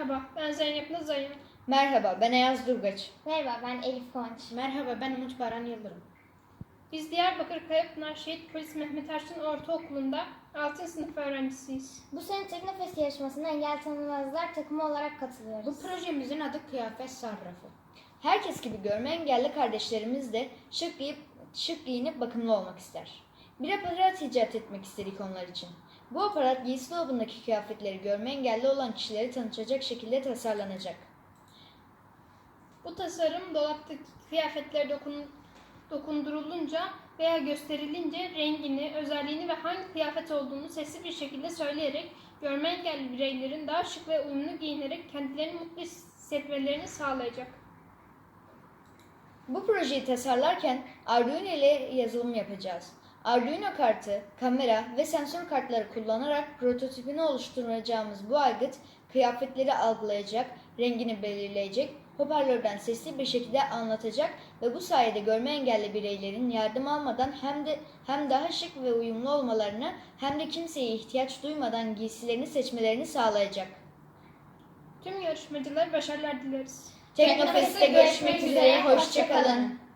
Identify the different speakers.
Speaker 1: Merhaba, ben Zeynep Nazayım.
Speaker 2: Merhaba, ben Ayaz Durgaç.
Speaker 3: Merhaba, ben Elif Kıvanç.
Speaker 4: Merhaba, ben Umut Baran Yıldırım.
Speaker 1: Biz Diyarbakır Kayapınar Şehit Polis Mehmet Erçin Ortaokulu'nda 6. sınıf öğrencisiyiz.
Speaker 3: Bu sene Teknofest yarışmasına Engel Tanımazlar takımı olarak katılıyoruz.
Speaker 4: Bu projemizin adı Kıyafet Sarrafı.
Speaker 2: Herkes gibi görme engelli kardeşlerimiz de şık giyinip bakımlı olmak ister. Bir aparat icat etmek istedik onlar için. Bu aparat giysi dolabındaki kıyafetleri görme engelli olan kişileri tanıtacak şekilde tasarlanacak.
Speaker 1: Bu tasarım dolaptaki kıyafetlere dokundurulunca veya gösterilince rengini, özelliğini ve hangi kıyafet olduğunu sesli bir şekilde söyleyerek görme engelli bireylerin daha şık ve uyumlu giyinerek kendilerini mutlu hissetmelerini sağlayacak.
Speaker 2: Bu projeyi tasarlarken Arduino ile yazılım yapacağız. Arduino kartı, kamera ve sensör kartları kullanarak prototipini oluşturacağımız bu aygıt kıyafetleri algılayacak, rengini belirleyecek, hoparlörden sesli bir şekilde anlatacak ve bu sayede görme engelli bireylerin yardım almadan hem daha şık ve uyumlu olmalarını hem de kimseye ihtiyaç duymadan giysilerini seçmelerini sağlayacak.
Speaker 1: Tüm yarışmacılara başarılar dileriz.
Speaker 2: Teknofest'te görüşmek üzere, hoşça kalın.